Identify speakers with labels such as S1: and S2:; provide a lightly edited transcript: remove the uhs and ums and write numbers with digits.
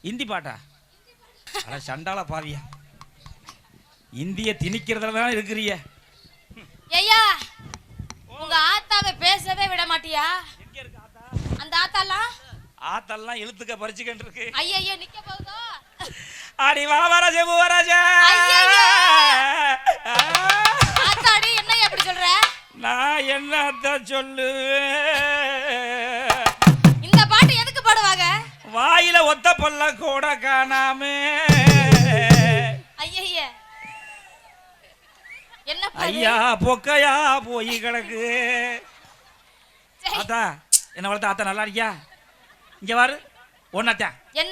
S1: இந்தி பாட்டா? அட சண்டால பாவியா, இந்திய திணிக்கிறதுல தான் இருக்கிறிய.
S2: ஐயா உங்க ஆத்தாவை பேசவே விட மாட்டியா?
S1: எங்க இருக்கு ஆத்தா?
S2: அந்த ஆத்தாலாம்
S1: ஆத்தெல்லாம் இழுத்துக்க பறிச்சுக்கிட்டு இருக்கு.
S2: ஐயோ நிக்க போகுதோ?
S1: அடி வா வரஜே பூவராஜே.
S2: ஆத்தாடி என்ன எப்படி சொல்ற?
S1: நான் என்னத்த சொல்லுவேன்?
S2: இந்த பாட்டு எதுக்கு பாடுவாங்க?
S1: வாயில ஒத்த பல்ல கூட காணாமே.
S2: ஐயா என்ன
S1: ஐயா பொக்கையா போய் கிடக்கு. ஆத்தா என்ன வளர்த்த? ஆத்தா நல்லா இருக்கியா? இங்க வாரு ஒன்னாத்தா.
S2: என்ன